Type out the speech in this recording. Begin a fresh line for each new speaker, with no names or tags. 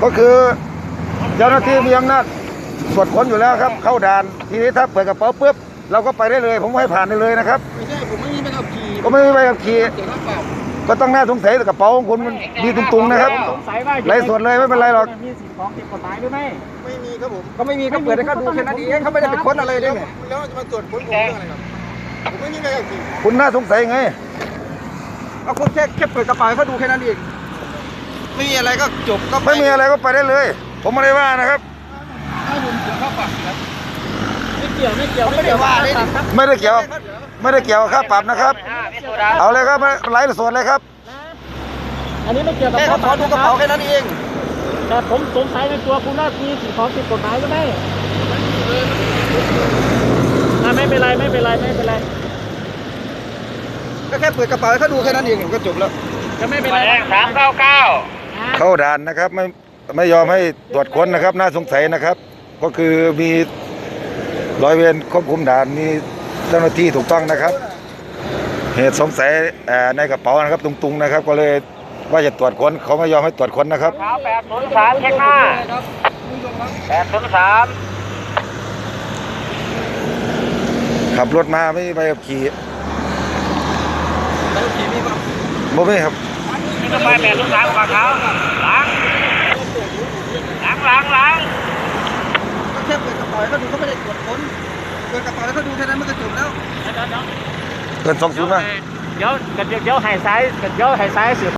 ก็คือเจ้าหน้าที่มีอำนาจตรวจค้นอยู่แล้วครับเข้าด่านทีนี้ถ้าเปิดกระเป๋าปุ๊บเราก็ไปได้เลยผมให้ผ่านได้เลยนะครับ
ไม่ใช่ผมไม่มีใบขับขี่
ก็ไม่มีใบขับขี่
เสียค่าปรับ
ก็ต้องน่าสงสัยแต่กระเป๋าของคุณมันดีตุงๆนะครับไร้ส่วนเลยไม่เป็นไรหรอก
มีสิ่งของผิดกฎหมายหรือไม่
ไม่มีครับผม
ก็ไม่มีก็เปิดให้เขาดูแค่นั้นเองเขาไม่ได้ไปค้นอะไรเลยเนี่ย
แล้วจะมาตรวจค้นผมเรื่องอะไรครับผมไม่มีใบขับขี่
คุณน่าสงสัยไง
เอาคุณแค่เปิดกระเป๋าให้เขาดูแค่นั้นเอง
ไม่มีอะไรก็จบก็
ไม่มีอะไรก็ไปได้เลย ผมไม่ได้ว่านะครับ
ถ้าผมเสียค่าปรับครับ
ไม่เกี่ยวไม่ได้ว่าเลย
ไม่ได้เกี่ยวกับค่าปรับนะครับเอาเลยครับไร้ส่วนเลยครับ
อันนี้ไม่เกี่ยวกับ
แค่เขาขอดูกระเป๋าแค่นั้นเอง
แต่ผมสงสัยในตัวคุณว่ามีสิ่งของผิดกฎหมายหรือไม่ไม่เป็นไร
ก็แค่เปิดกระเป๋าให้เขาดูแค่นั้นเองก็จบแล้ว
จะไม่เป็นไร
399เข้าด่านนะครับไม่ยอมให้ตรวจค้นนะครับน่าสงสัยนะครับ ก็คือมีร้อยเวรควบคุมด่านมีเจ้าหน้าที่ถูกต้องนะครับ เหตุสงสัยในกระเป๋านะครับตุงๆนะครับ ก็เลยว่าจะตรวจค้นเขาไม่ยอมให้ตรวจค้นนะครับ
803เช็คหน้า803
ขับรถมาไม่มีใบขับขี่
ใบขับขี่มีป่ะ
บ่มีครับ
นี่ก็ไป803ฝั่งเขาล้าง
ก็แค่เปิดกระเป๋าให้เขาดูเขาไม่ได้ตรวจค้นเปิดกระเป๋าให้เขาดูแค่นั้นมันก็จบแล้ว
เกิน20นะ
เดี๋ยวให้ซ้ายสืบ